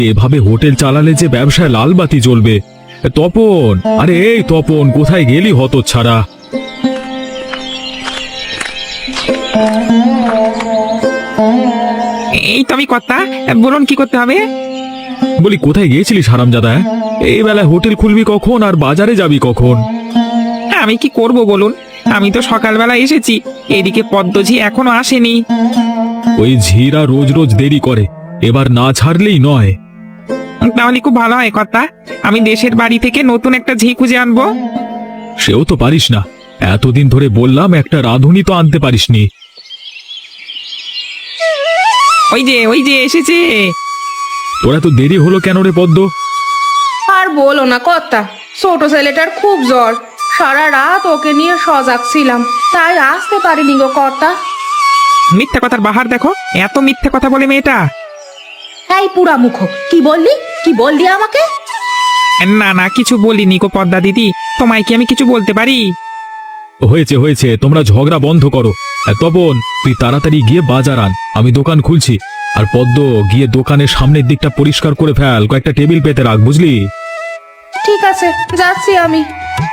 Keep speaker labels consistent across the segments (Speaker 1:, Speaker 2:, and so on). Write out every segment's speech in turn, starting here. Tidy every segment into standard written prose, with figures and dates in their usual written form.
Speaker 1: এভাবে হোটেল চালালে যে ব্যবসায় লাল বাতি জ্বলবে। তপন, আরে এই তপন, কোথায় গেলি হতচ্ছাড়া?
Speaker 2: এই তো আমি কর্তা, বলুন কি করতে হবে?
Speaker 1: বলি কোথায় গিয়েছিলিস হারামজাদা? এই বেলায় হোটেল খুলবি কখন আর বাজারে যাবি কখন?
Speaker 2: আমি কি করব বলুন, আমি তো সকালবেলা এসেছি, এদিকে পদ্মজি এখনো আসেনি।
Speaker 1: ওই ঝিরা রোজ রোজ দেরি করে, এবার না ছাড়লেই নয়।
Speaker 2: তাহলে খুব ভালো হয় কর্তা, আমি দেশের বাড়ি থেকে নতুন একটা ঝি খুঁজে আনবো।
Speaker 1: সেও তো পারিস না, এতদিন ধরে বললাম একটা রাঁধুনি তো আনতে পারিসনি।
Speaker 2: ওই যে এসেছে।
Speaker 1: তোরা তো দেরি হলো কেন রে পদ্ম?
Speaker 3: আর বলো না কর্তা, ছোট ছেলেটার খুব জ্বর, সারা রাত ওকে নিয়ে সজাগ ছিলাম, তাই আসতে পারিনি গো কর্তা।
Speaker 2: মিথ্যা কথার বাহার দেখো, এত মিথ্যা কথা বলে মেয়েটা।
Speaker 3: এই পুরা মুখ, কি বললি আমাকে?
Speaker 2: না না, কিছু বলিনি গো পদ্মা দিদি, তোমায় কি আমি কিছু বলতে পারি?
Speaker 1: হয়েছে হয়েছে, তোমরা ঝগড়া বন্ধ করো। আর তপন, তুই তাড়াতাড়ি গিয়ে বাজার আন, আমি দোকান খুলছি। আর পদ্ম, গিয়ে দোকানের সামনের দিকটা পরিষ্কার করে ফেল, কয়েকটা টেবিল পেতে রাখ, বুঝলি?
Speaker 3: ঠিক আছে, যাচ্ছি আমি।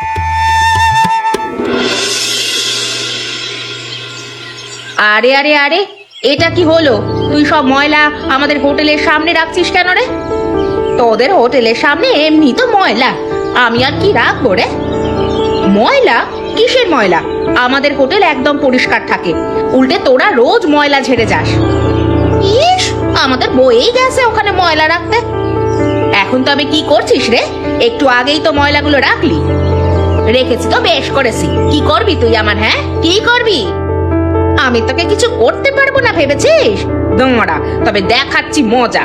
Speaker 3: আরে আরে আরে, এটা কি হলো? তুই সব ময়লা আমাদের হোটেলের সামনে রাখছিস কেন রে? তোদের হোটেলের সামনে এমনি তো ময়লা, আমি আর কি রাখবো রে? ময়লা? কিসের ময়লা? আমাদের হোটেল একদম পরিষ্কার থাকে, উল্টে তোরা রোজ ময়লা ঝেড়ে যাস। ইস, আমাদের বইয়েই গেছে ওখানে ময়লা রাখতে। এখন তবে কি করছিস রে? একটু আগেই তো ময়লাগুলো রাখলি। রেখেছি তো বেশ করেছি, কি করবি তুই আমার? হ্যাঁ, কি করবি? আমি তোকে কিছু করতে পারবো না ভেবেছিস? দোমরা, তবে দেখাচ্ছি মজা।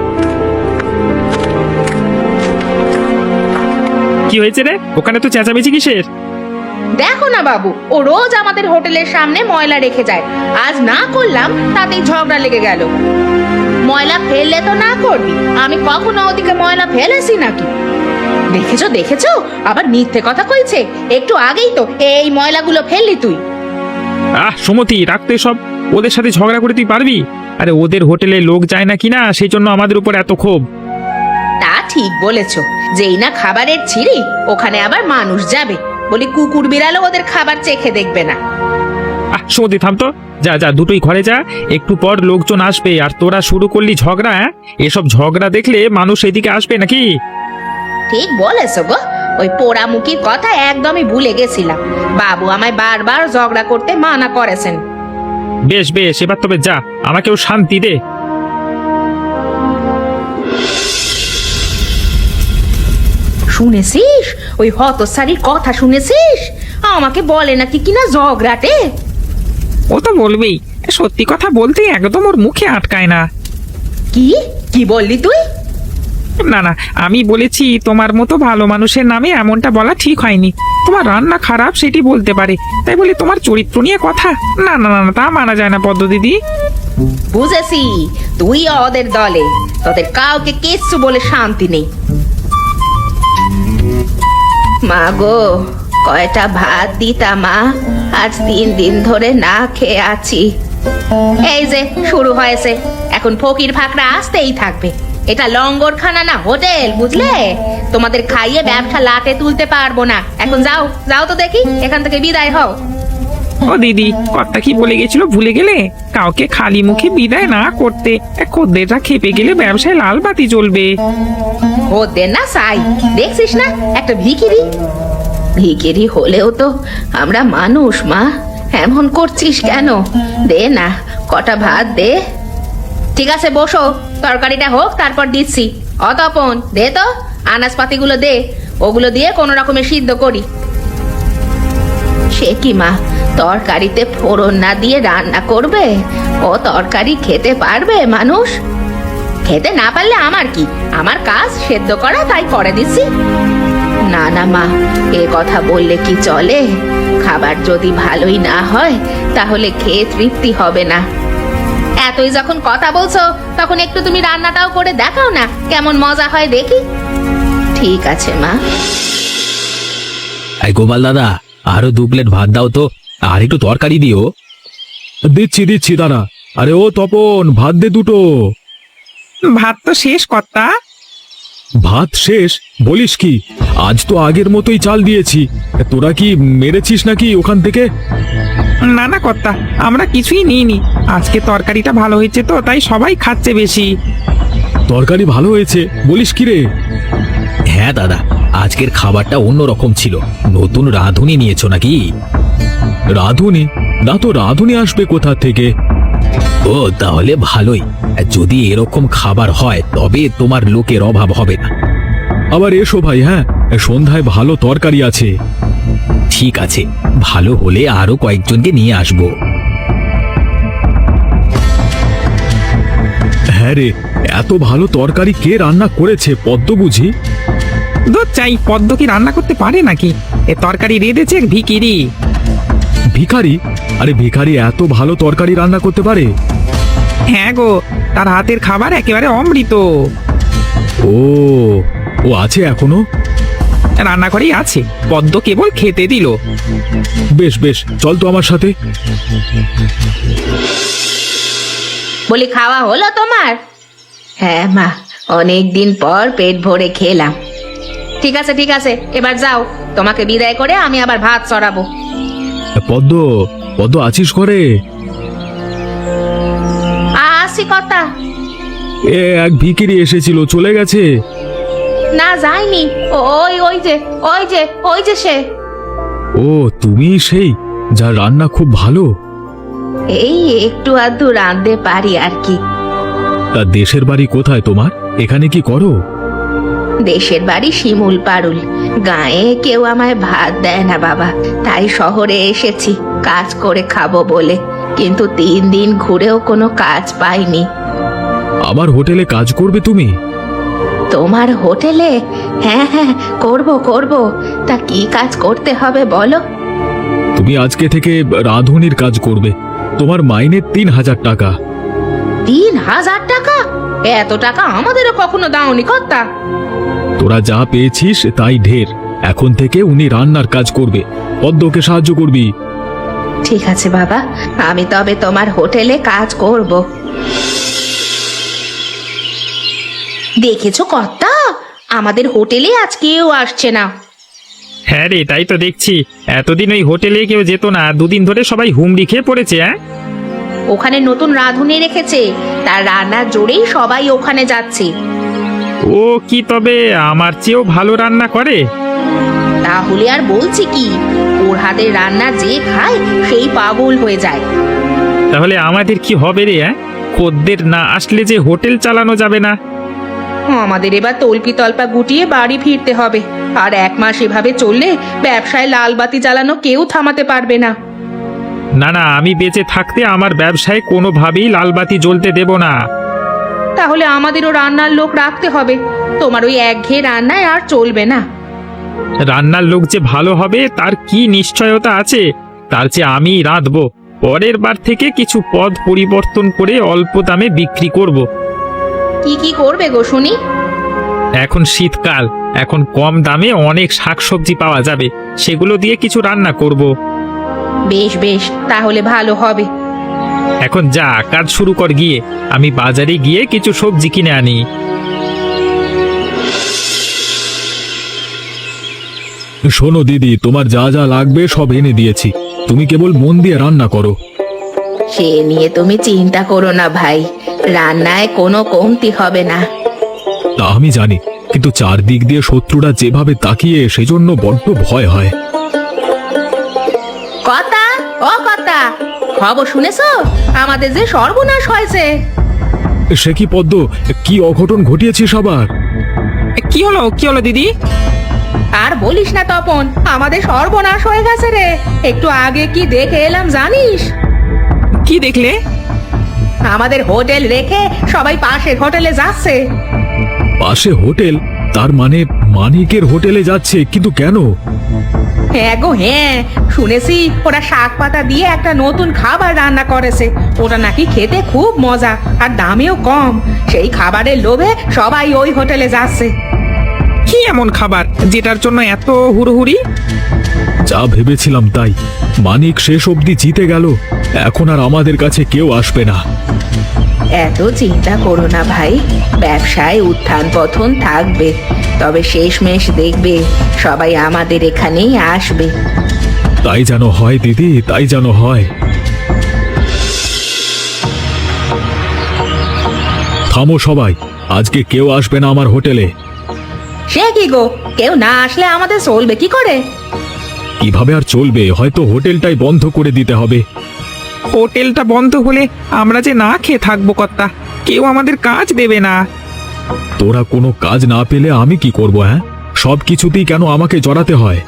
Speaker 2: কি হয়েছে রে? ওখানে তো চেঁচামেচি কিসের?
Speaker 3: দেখো না বাবু, ও রোজ আমাদের হোটেলের সামনে ময়লা রেখে যায়, আজ না করলাম তাতেই ঝগড়া লেগে গেল। ময়লা ফেললে তো না করবি, আমি কখনো ওদিকে ময়লা ফেলেছি নাকি? দেখেছো দেখেছো, আবার মিথ্যে কথা কইছে। একটু আগেই তো এই ময়লাগুলো ফেললি তুই।
Speaker 2: সুমতি, রাখতে সব। ওদের সাথে ঝগড়া করে তুই পারবি? আরে ওদের হোটেলে লোক যায় না কিনা, সেই জন্য আমাদের উপর এত ক্ষোভ।
Speaker 3: তা ঠিক বলেছো, যেই না খাবারের ছিঁড়ি ওখানে আবার মানুষ যাবে, বলি কুকুর বিড়ালও ওদের খাবার চেখে দেখবে না।
Speaker 2: সুমতি থাম তো, যা যা, দুটোই ঘরে যা, একটু পর লোকজন আসবে আর তোরা শুরু করলি ঝগড়া। এসব ঝগড়া দেখলে মানুষ এদিকে আসবে নাকি?
Speaker 3: ঠিক বলেছো গো, ওই পোড়ামুখির কথা একদমই ভুলে গেছিলাম। বাবু আমায় বারবার ঝগড়া করতে মানা করেছেন।
Speaker 2: বেশ বেশ, এবার তবে যা, আমাকেও শান্তি দে।
Speaker 3: শুনেছিস ওই হতসারির কথা? শুনেছিস আমাকে বলে নাকি কিনা ঝগড়াটে?
Speaker 2: ও তো বলবেই, সত্যি কথা বলতে একদম ওর মুখে আটকায় না।
Speaker 3: কি কি বললি তুই?
Speaker 2: না না, আমি বলেছি তোমার মতো ভালো মানুষের নামে এমনটা বলা ঠিক হয়নি। তোমার রান্না খারাপ সেটি বলতে পারে, তাই বলে তোমার চরিত্র নিয়ে কথা? না না না, তা মানা যায় না পদ্ম দিদি।
Speaker 3: বুঝেছি, তুই ওদের দলে, তোদের কাউকে কিচ্ছু বলে শান্তি নেই। মা গো, কয়টা ভাত দিতা মা, আজ 3 দিন ধরে না খেয়ে আছি। এই যে শুরু হয়েছে, এখন ফকির ফাকরা আসতেই থাকবে। এটা লঙ্গরখানা না হোটেল, বুঝলে? তোমাদের খাইয়ে ব্যবসা লাটে তুলতে পারবো না। এখন যাও যাও তো দেখি, এখান থেকে বিদায় হও।
Speaker 2: ও দিদি, কর্তা কি বলে গেছিল ভুলে গেলে? কাউকে খালি মুখে বিদায় না করতে। খদ্দেররা খেপে গেলে ব্যবসায় লাল বাতি জ্বলবে।
Speaker 3: ওদের না সাই, দেখছিস না একটা ভিখিরি? ভিখিরি হলেও তো আমরা মানুষ মা, এমন করছিস কেন? দে না, কটা ভাত দে। ঠিক আছে বসো, তরকারিটা হোক তারপর দিচ্ছি। অতপন, দে তো আনাজপাতিগুলো দে, ওগুলো দিয়ে কোনো রকমে সিদ্ধ করি। সে কি মা, তরকারিতে ফোড়ন না দিয়ে রান্না করবে? ও তরকারি খেতে পারবে মানুষ? খেতে না পারলে আমার কি, আমার কাজ সেদ্ধ করা, তাই করে দিচ্ছি। না না মা, এ কথা বললে কি চলে? খাবার যদি ভালোই না হয় তাহলে খেয়ে তৃপ্তি হবে না। এতই যখন কথা বলছো, তখন একটু তুমি রান্নাটাও করে দেখাও না, কেমন মজা হয় দেখি। ঠিক আছে মা।
Speaker 1: এই গোপাল দাদা, আরো 2 প্লেট ভাত দাও তো, আর একটু তরকারি দিও। দিচ্ছি দিচ্ছি দাদা। আরে ও তপন, ভাত দে দুটো।
Speaker 2: ভাত তো শেষ কর্তা।
Speaker 1: ভাত শেষ বলিস কি? আজ তো আগের মতোই চাল দিয়েছি। তোরা কি মেরেছিস নাকি ওখান থেকে?
Speaker 2: না না কর্তা, আমরা কিছুই নিইনি। আজকে তরকারিটা ভালো হয়েছে তো তাই সবাই খাচ্ছে বেশি।
Speaker 1: তরকারি ভালো হয়েছে বলিস কি রে?
Speaker 4: হ্যাঁ দাদা, আজকের খাবারটা অন্যরকম ছিল। নতুন রাঁধুনি নিয়েছো নাকি?
Speaker 1: রাঁধুনি? না তো, রাঁধুনি আসবে কোথা থেকে?
Speaker 4: ও তাহলে ভালোই। যদি এরকম খাবার হয় তবে তোমার লোকের অভাব হবে না।
Speaker 1: আবার এসো ভাই, হ্যাঁ সন্ধ্যায় ভালো তরকারি আছে।
Speaker 4: ঠিক আছে, ভালো হলে আরো কয়েকজনকে নিয়ে আসবো।
Speaker 1: হ্যাঁ রে, এত ভালো তরকারি কে রান্না করেছে? পদ্ম বুঝি?
Speaker 2: দুধ চাই, পদ্ম কি রান্না করতে পারে নাকি? এ তরকারি রেঁধেছে এক ভিখিরি।
Speaker 1: ভিখারি? আরে ভিখারি এত ভালো তরকারি রান্না করতে পারে?
Speaker 2: হ্যাঁ গো, তার হাতের খাবার একেবারে অমৃত।
Speaker 1: ও, ও আছে এখনো?
Speaker 2: রান্নাঘরেই আছে, পদ্ম কেবল খেতে দিল।
Speaker 1: বেশ বেশ, চল তো আমার সাথে।
Speaker 3: বলি খাওয়া হলো তোমার? হ্যাঁ মা, অনেক দিন পর পেট ভরে খেলাম। ঠিক আছে ঠিক আছে, এবার যাও, তোমাকে বিদায় করে আমি আবার ভাত চড়াবো।
Speaker 1: পদ্ম, পদ্ম আছিস ঘরে?
Speaker 3: আসি কথা।
Speaker 1: এ এক ভিখিরি এসেছিল, চলে গেছে?
Speaker 3: না যায়নি, ওই ওই যে ওই যে ওই যে সে।
Speaker 1: ও তুমি সেই, যার রান্না খুব ভালো?
Speaker 3: এই একটু আধটু রাঁধতে পারি আর কি।
Speaker 1: তা দেশের বাড়ি কোথায় তোমার? এখানে কি করো?
Speaker 3: দেশের বাড়ি শিমুল পারুল। গায়ে কেউ আমায় ভাত দেয় না বাবা, তাই শহরে এসেছি কাজ করে খাবো বলে। কিন্তু 3 দিন ঘুরেও কোনো কাজ পাইনি।
Speaker 1: আমার হোটেলে কাজ করবে তুমি?
Speaker 3: তোমার হোটেলে? হ্যাঁ হ্যাঁ, করব করব। তা কি কাজ করতে হবে বলো?
Speaker 1: তুমি আজকে থেকে রাঁধুনির কাজ করবে। তোমার মাইনে 3000 টাকা।
Speaker 3: 3000 টাকা? এত টাকা আমাদেরও কখনো দাওনি কর্তা।
Speaker 1: তোরা যা পেয়েছিস তাই ঢের। এখন থেকে উনি রান্নার কাজ করবে, পদ্মকে সাহায্য করবি।
Speaker 3: ঠিক আছে বাবা, আমি তবে তোমার হোটেলে কাজ করব। দেখেছো কর্তা, আমাদের হোটেলে আজ কেউ আসছে না।
Speaker 2: হ্যাঁ রে, তাই তো দেখছি। এতদিন ওই হোটেলে কেউ যেত না, 2 দিন ধরে সবাই হুমড়ি খেয়ে পড়েছে। হ্যাঁ,
Speaker 3: ওখানে নতুন রাঁধুনি রেখেছে, তার রান্নার জোরেই সবাই ওখানে যাচ্ছে।
Speaker 2: ও কি তবে আমার চেয়েও ভালো রান্না করে?
Speaker 3: তাহলে আর বলছি কি, ওর হাতের রান্না যে খায় সেই পাগল হয়ে যায়।
Speaker 2: তাহলে আমাদের কি হবে রে? খদ্দের না আসলে যে হোটেল চালানো যাবে না।
Speaker 3: আমাদের এবার তল্পি তল্পা গুটিয়ে বাড়ি ফিরতে হবে। আর 1 মাস এভাবে চললে ব্যবসায় লাল বাতি জ্বালানো কেউ থামাতে পারবে না।
Speaker 2: না না, আমি বেঁচে থাকতে আমার ব্যবসায় কোনোভাবেই লালবাতি জ্বলতে দেব না।
Speaker 3: তাহলে আমাদেরও রান্নার লোক রাখতে হবে। তোমার ওই একঘেয়ে রান্নায় আর চলবে না।
Speaker 2: রান্নার লোক যে ভালো হবে তার কি নিশ্চয়তা আছে? তার চেয়ে আমি রাঁধবো। পরের বার থেকে কিছু পদ পরিবর্তন করে অল্প দামে বিক্রি করব।
Speaker 3: কি কি করবে গো শুনি?
Speaker 2: এখন শীতকাল, এখন কম দামে অনেক শাকসবজি পাওয়া যাবে, সেগুলো দিয়ে কিছু রান্না করব।
Speaker 3: বেশ বেশ, তাহলে ভালো হবে।
Speaker 2: এখন যা, কাজ শুরু কর গিয়ে। আমি বাজারে গিয়ে কিছু সবজি কিনে আনি।
Speaker 1: শোনো দিদি, তোমার যা যা লাগবে সব এনে দিয়েছি, তুমি কেবল মন দিয়ে রান্না করো।
Speaker 3: সে নিয়ে তুমি চিন্তা করো না ভাই, রান্নায় কোনো কমতি হবে না।
Speaker 1: তা আমি জানি, কিন্তু চারদিক দিয়ে শত্রুরা যেভাবে তাকিয়ে, সেজন্য বড্ড ভয় হয়।
Speaker 3: কথা, ও কথা, খবর শুনেছো? আমাদের যে সর্বনাশ হয়েছে।
Speaker 1: সে কি পদ্ম, কি অঘটন ঘটিয়েছিস আবার?
Speaker 2: কি হলো কি হলো দিদি?
Speaker 3: আর বলিস না তপন, আমাদের সর্বনাশ হয়ে গেছে রে। একটু আগে কি দেখে এলাম জানিস?
Speaker 2: কি দেখলে?
Speaker 3: আমাদের হোটেল রেখে সবাই পাশের হোটেলে যাচ্ছে।
Speaker 1: পাশে হোটেল? তার মানে মানিকের হোটেলে যাচ্ছে? কিন্তু কেন?
Speaker 3: হ্যাঁ গো হ্যাঁ, শুনেছি ওরা শাক পাতা দিয়ে একটা নতুন খাবার রান্না করেছে। ওটা নাকি খেতে খুব মজা আর দামেও কম। সেই খাবারের লোভে সবাই ওই হোটেলে যাচ্ছে।
Speaker 2: কি এমন খাবার যেটার জন্য এত হুড়োহুড়ি?
Speaker 1: যা ভেবেছিলাম তাই। মানিক শেষ অবধি জিতে গেল, এখন আর আমাদের কাছে কেউ আসবে না।
Speaker 3: এত চিন্তা করো না ভাই, ব্যবসায় উত্থান পতন থাকবে, তবে শেষমেশ দেখবে সবাই আমাদের এখানেই আসবে।
Speaker 1: তাই যেন হয় দিদি, তাই যেন হয়। থামো সবাই, আজকে কেউ আসবে না আমার হোটেলে।
Speaker 3: সে কি গো, কেউ না আসলে আমাদের চলবে কি করে?
Speaker 1: কিভাবে আর চলবে, হয়তো হোটেলটাই বন্ধ করে দিতে হবে।
Speaker 2: হোটেলটা বন্ধ হলে আমরা যে না খেয়ে থাকবো কর্তা, কেউ আমাদের কাজ দেবে না।
Speaker 1: তোরা কোনো কাজ না পেলে আমি কি করব? হ্যাঁ, সব কিছুতেই কেন আমাকে জড়াতে হয়?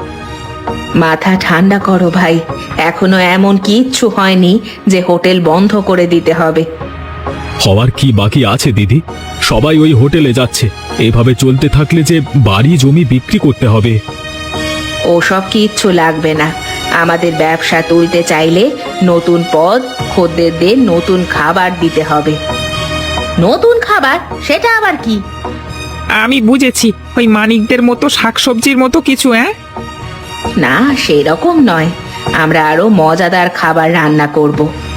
Speaker 3: মাথা ঠান্ডা করো ভাই, এখনো এমন কিচ্ছু হয়নি যে হোটেল বন্ধ করে দিতে হবে।
Speaker 1: হওয়ার কি বাকি আছে দিদি? সবাই ওই হোটেলে যাচ্ছে, এভাবে চলতে থাকলে যে বাড়ি জমি বিক্রি করতে হবে।
Speaker 3: ওসব কিচ্ছু লাগবে না, আমাদের ব্যবসা তুলতে চাইলে নতুন পদ, খদ্দেরদের নতুন খাবার দিতে হবে। নতুন খাবার? সেটা আবার কি?
Speaker 2: আমি বুঝেছি, ওই মানিকদের মতো শাকসবজির মতো কিছু। হ্যাঁ,
Speaker 3: না সেরকম নয়, আমরা আরো মজাদার খাবার রান্না করব।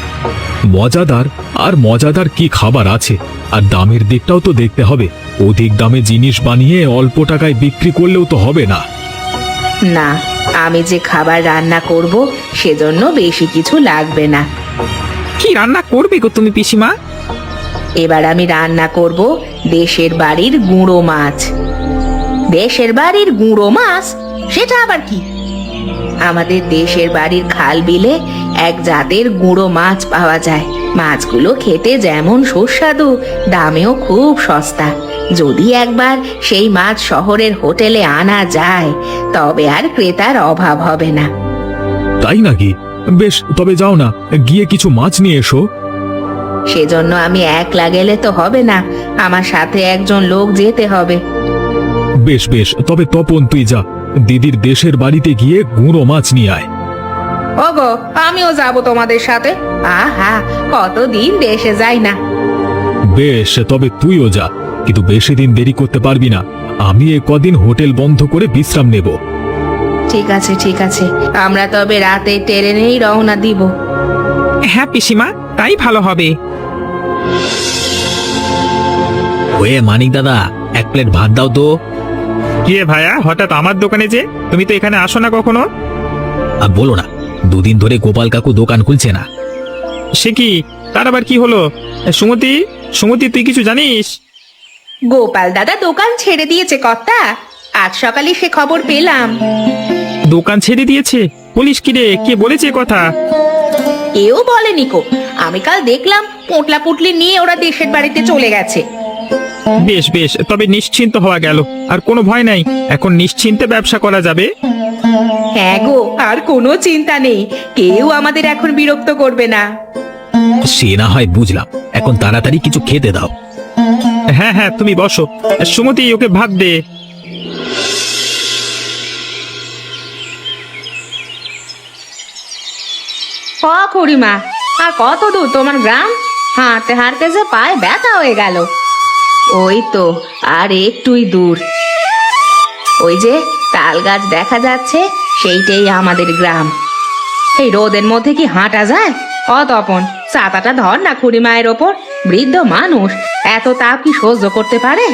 Speaker 1: মজাদার? আর মজাদার কি খাবার আছে? আর দামের দিকটাও তো দেখতে হবে। অধিক দামে জিনিস বানিয়ে অল্প টাকায় বিক্রি করলেও তো হবে না।
Speaker 3: না, আমি যে খাবার রান্না করব সেজন্য বেশি কিছু লাগবে না।
Speaker 2: কি রান্না করবে গো তুমি পিসিমা?
Speaker 3: এবার আমি রান্না করব দেশের বাড়ির গুঁড়ো মাছ। দেশের বাড়ির গুঁড়ো মাছ? সেটা আবার কি? আমাদের দেশের বাড়ির খাল বিলে এক জাতের গুঁড়ো মাছ পাওয়া যায়। মাছগুলো খেতে যেমন সুস্বাদু, দামেও খুব সস্তা। যদি একবার সেই মাছ শহরের হোটেলে আনা যায়, তবে আর ক্রেতার অভাব হবে না।
Speaker 1: তাই নাকি? বেশ, তবে যাও না, গিয়ে কিছু মাছ নিয়ে এসো।
Speaker 3: সেজন্য আমি একলা গেলে তো হবে না, আমার সাথে একজন লোক যেতে হবে।
Speaker 1: বেশ বেশ, তবে তপন তুই যা, দিদির দেশের বাড়িতে গিয়ে গুঁড়ো মাছ নিয়ে আয়।
Speaker 3: ওগো, আমিও যাব তোমাদের সাথে। আহা, কতদিন দেশে যাই না।
Speaker 1: বেশ, তবে তুইও যা, কিন্তু বেশি দিন দেরি করতে পারবি না। আমি কদিন হোটেল বন্ধ করে বিশ্রাম নেব।
Speaker 3: ঠিক আছে ঠিক আছে, আমরা তবে রাতে ট্রেনেই রওনা দিব।
Speaker 2: হ্যাঁ পিসিমা, তাই ভালো হবে।
Speaker 4: ওয়ে মানিক দাদা, এক প্লেট ভাত দাও তো।
Speaker 2: কি রে ভাইয়া, হঠাৎ আমার দোকানে যে? তুমি তো এখানে আসো না কখনো।
Speaker 4: আর বলো না, দুদিন ধরে গোপাল কাকু দোকান খুলছে না।
Speaker 2: সে কি? তার আবার কি হলো? সুমতি, সুমতি, তুই কিছু জানিস?
Speaker 3: গোপাল দাদা দোকান ছেড়ে দিয়েছে কর্তা, আজ সকালে সে খবর পেলাম।
Speaker 2: দোকান ছেড়ে দিয়েছে? বলিস কি রে, কে বলেছে এ কথা?
Speaker 3: কেউ বলেনি কো, আমি কাল দেখলাম পোটলা পুটলি নিয়ে ওরা দেশের বাড়িতে চলে গেছে।
Speaker 2: বেশ বেশ, তবে নিশ্চিন্ত হওয়া গেল, আর কোনো ভয় নাই, এখন নিশ্চিন্তে ব্যবসা করা যাবে।
Speaker 3: হ্যাঁ গো, আর কোনো চিন্তা নেই, কেউ আমাদের এখন বিরক্ত করবে না।
Speaker 4: সে না হয় বুঝলাম, এখন তাড়াতাড়ি কিছু খেতে দাও।
Speaker 2: হ্যাঁ হ্যাঁ, তুমি বসো। সুমতি, ওকে ভাত দে।
Speaker 3: খুড়িমা, আর কত দূর তোমার গ্রাম? হাঁটতে হাঁটতে যে পায়ে ব্যথা হয়ে গেল। ওই তো আর একটুই দূর, ওই যে তাল গাছ দেখা যাচ্ছে, সেইটাই আমাদের গ্রাম। এই রোদের মধ্যে কি হাঁটা যায়? তপন, ছাতাটা ধর না খুড়িমায়ের ওপর, বৃদ্ধ মানুষ, এত তাপ কি সহ্য করতে পারে?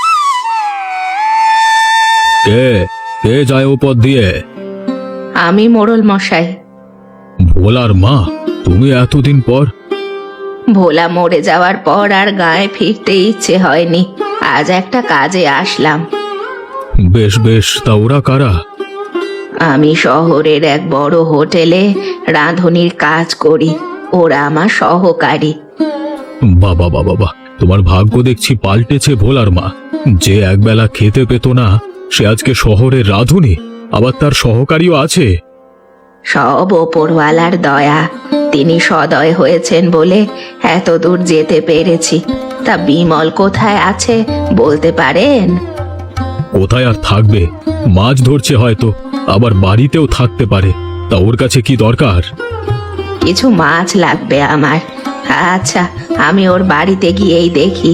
Speaker 1: কে কে যায় উপর দিয়ে?
Speaker 3: আমি মোড়ল মশাই।
Speaker 1: ভোলার মা, তুমি এতদিন পর?
Speaker 3: ভোলা মরে যাওয়ার পর আর গায়ে ফিরতে ইচ্ছে হয়নি, আজ একটা কাজে আসলাম।
Speaker 1: বেশ বেশ, তা ওরা কারা?
Speaker 3: আমি শহরের এক বড় হোটেলে রাঁধুনির কাজ করি, ওরা আমার সহকারী।
Speaker 1: বাবা বাবা বাবা, তোমার ভাগ্য দেখছি পাল্টেছে ভোলার মা। যে একবেলা খেতে পেত না, সে আজকে শহরের রাঁধুনি, আবার তার সহকারীও আছে।
Speaker 3: সব ওপরওয়ালার দয়া, তিনি সদয় হয়েছেন বলে এত দূর যেতে পেরেছি। তা বিমল কোথায় আছে বলতে পারেন?
Speaker 1: কোথায় আর থাকবে, মাছ ধরছে হয়তো, আবার বাড়িতেও থাকতে পারে। তা ওর কাছে কি দরকার?
Speaker 3: কিছু মাছ লাগবে আমার। আচ্ছা, আমি ওর বাড়িতে গিয়েই দেখি।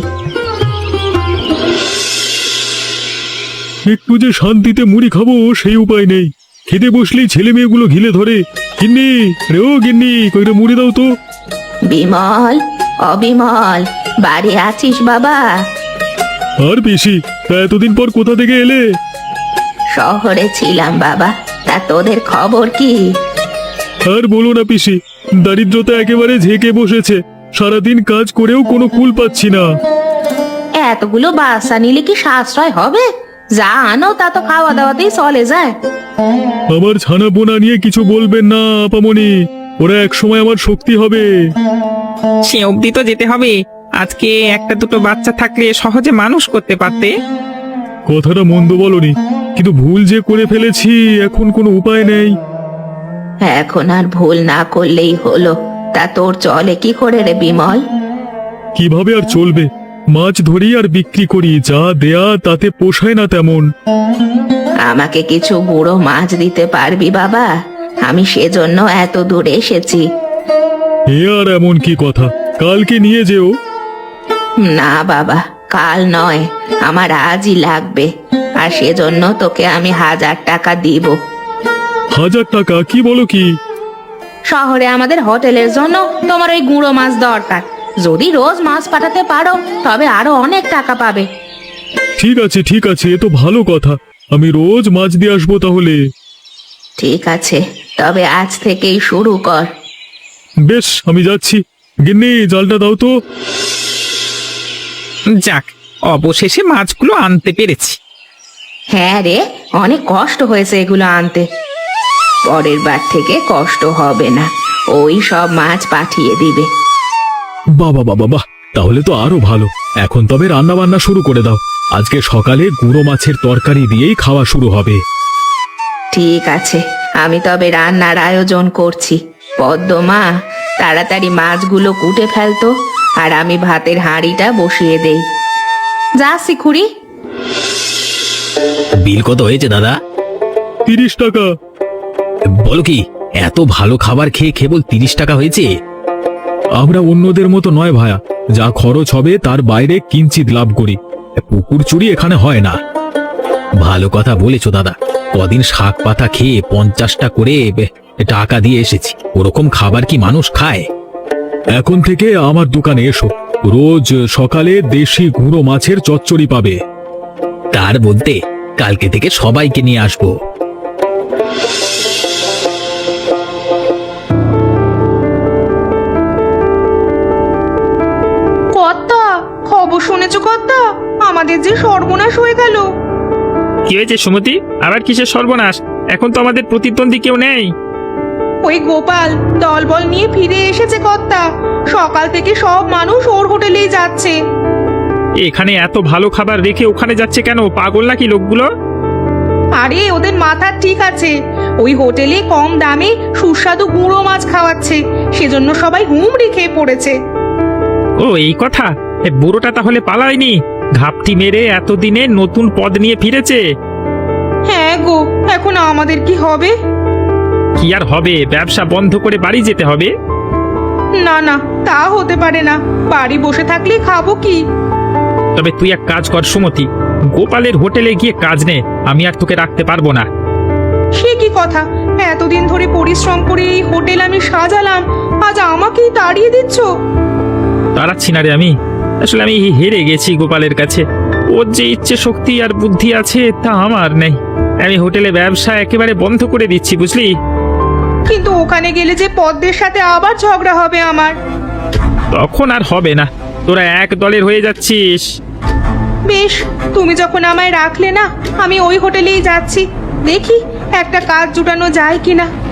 Speaker 1: একটু যে শান্তিতে মুড়ি খাবো সেই উপায় নেই, খেতে বসলেই ছেলে মেয়েগুলো ঘিলে ধরে। গিন্নি রে, ও গিন্নি, কইটা মুড়ি দাও তো।
Speaker 3: বিমল, ও অবিমল, বাড়ি আছিস বাবা?
Speaker 1: আর বেশি এতদিন পর কোথা থেকে এলে?
Speaker 3: শহরে ছিলাম বাবা। তা তোদের খবর কি?
Speaker 1: আর বলো না পিসি, দারিদ্রতা একেবারে ঝেঁকে বসেছে। সারাদিন কাজ করেও কোনো কুল পাচ্ছি না।
Speaker 3: এতগুলো বাচ্চা নিলে কি সাশ্রয় হবে? যা আনো তা তো খাওয়া দাওয়াতেই চলে যায়।
Speaker 1: আমার ছানা পোনা নিয়ে কিছু বলবেন না আপামনি, ওরা একসময় আমার শক্তি হবে।
Speaker 2: সে অবধি তো যেতে হবে। আজকে একটা দুটো বাচ্চা থাকলে সহজে মানুষ করতে পারতে।
Speaker 1: কথাটা মন্দ বলনি, কিন্তু ভুল যে করে ফেলেছি, এখন কোনো উপায় নেই।
Speaker 3: এখন আর ভুল না করলেই হলো। তা তোর চলে কি করে রে বিমল?
Speaker 1: কিভাবে আর চলবে? মাছ ধরি আর বিক্রি করি, যা দেয়া তাতে পোষায় না তেমন।
Speaker 3: আমাকে কিছু গুঁড়ো মাছ দিতে পারবি বাবা? আমি সেজন্য এত দূর এসেছি।
Speaker 1: এ আর এমন কি কথা, কালকে নিয়ে যেও।
Speaker 3: না বাবা, কাল নয়, আমার আজই লাগবে। আর সেজন্য তোকে আমি 1000 টাকা দিব।
Speaker 1: 1000 টাকা? কি বলো কি?
Speaker 3: শহরে আমাদের হোটেলের জন্য তোমার ওই গুঁড়ো মাছ দরকার। যদি রোজ মাছ পাঠাতে পারো তবে আরো অনেক টাকা পাবে।
Speaker 1: ঠিক আছে ঠিক আছে, এ তো ভালো কথা। আমি রোজ মাছ দিয়ে আসবো তাহলে।
Speaker 3: ঠিক আছে, তবে আজ থেকেই শুরু কর।
Speaker 1: বেশ, আমি যাচ্ছি। গিন্নি, জালটা দাও তো।
Speaker 2: যাক, অবশেষে মাছগুলো আনতে পেরেছি।
Speaker 3: হ্যাঁ রে, অনেক কষ্ট হয়েছে এগুলো আনতে। পরের বার থেকে কষ্ট হবে না, ওই সব মাছ পাঠিয়ে দিবে।
Speaker 1: বাবা বাবা বাহ, তাহলে তো আরো ভালো। এখন তবে রান্না বান্না শুরু করে দাও। আজকে সকালে গুঁড়ো মাছের তরকারি দিয়েই খাওয়া শুরু হবে।
Speaker 3: ঠিক আছে, আমি তবে রান্নার আয়োজন করছি। পদ্মমা, তাড়াতাড়ি মাছগুলো কুটে ফেলতো, আর আমি ভাতের হাঁড়িটা বসিয়ে দেই। যাচ্ছি খুড়ি।
Speaker 4: বিল কত হয়েছে দাদা?
Speaker 1: 30 টাকা।
Speaker 4: বলো কি, এত ভালো খাবার খেয়ে কেবল 30 টাকা হয়েছে?
Speaker 1: আমরা অন্যদের মতো নয় ভায়া, যা খরচ হবে তার বাইরে কিঞ্চিত লাভ করি। পুকুর চুরি এখানে হয় না।
Speaker 4: ভালো কথা বলেছো দাদা। কদিন শাক পাতা খেয়ে 50টা করে টাকা দিয়ে এসেছি। ওরকম খাবার কি মানুষ খায়?
Speaker 1: এখন থেকে আমার দোকানে এসো, রোজ সকালে দেশি গুঁড়ো মাছের চচ্চড়ি পাবে।
Speaker 4: তার বলতে কালকে থেকে সবাইকে নিয়ে আসবো।
Speaker 3: কর্তা, খবর শুনেছো কর্তা? আমাদের যে সর্বনাশ হয়ে গেল।
Speaker 2: কি হয়েছে সুমতি? আবার কিসের সর্বনাশ? এখন তো আমাদের প্রতিদ্বন্দ্বী কেউ নেই।
Speaker 3: ওই গোপাল দলবল নিয়ে ফিরে এসেছে কর্তা। সকাল থেকে সব মানুষ ওর হোটেলেই যাচ্ছে।
Speaker 2: এখানে এত ভালো খাবার রেখে ওখানে যাচ্ছে কেন? পাগল নাকি লোকগুলো?
Speaker 3: আরে ওদের মাথা ঠিক আছে, ওই হোটেলে কম দামে সুস্বাদু গুঁড়ো মাছ খাওয়াচ্ছে, সেজন্য সবাই হুমড়ি খেয়ে পড়েছে।
Speaker 2: ও এই কথা! এ বুড়োটা তাহলে পালায়নি? ঘাপটি মেরে এতদিনে নতুন পদ নিয়ে ফিরেছে।
Speaker 3: হ্যাঁ গো, এখন আমাদের কি হবে?
Speaker 2: কি আর হবে, ব্যবসা বন্ধ করে বাড়ি যেতে হবে।
Speaker 3: না না, তা হতে পারে না। বাড়ি বসে থাকলে খাবো কি?
Speaker 2: তবে তুই এক কাজ কর সুমতি, গোপালের হোটেলে গিয়ে কাজ নে। আমি আর তোকে রাখতে পারবো না।
Speaker 3: সে কি কথা? এতদিন ধরে পরিশ্রম করে এই হোটেল আমি সাজালাম, আজ আমাকেই তাড়িয়ে দিচ্ছ?
Speaker 2: তাড়াচ্ছি না রে আমি। আসলে আমি হেরে গেছি গোপালের কাছে। ওর যে ইচ্ছে শক্তি আর বুদ্ধি আছে তা আমার নেই। আমি হোটেলে ব্যবসা একেবারে বন্ধ করে দিচ্ছি, বুঝলি?
Speaker 3: কিন্তু ওখানে গেলে যে পদ্মের সাথে আবার ঝগড়া হবে আমার।
Speaker 2: তখন আর হবে না, তোরা এক দলের হয়ে যাচ্ছিস।
Speaker 3: বেশ, তুমি যখন আমায় রাখলে না, আমি ওই হোটেলেই যাচ্ছি। দেখি একটা কাজ জুটানো যায় কিনা।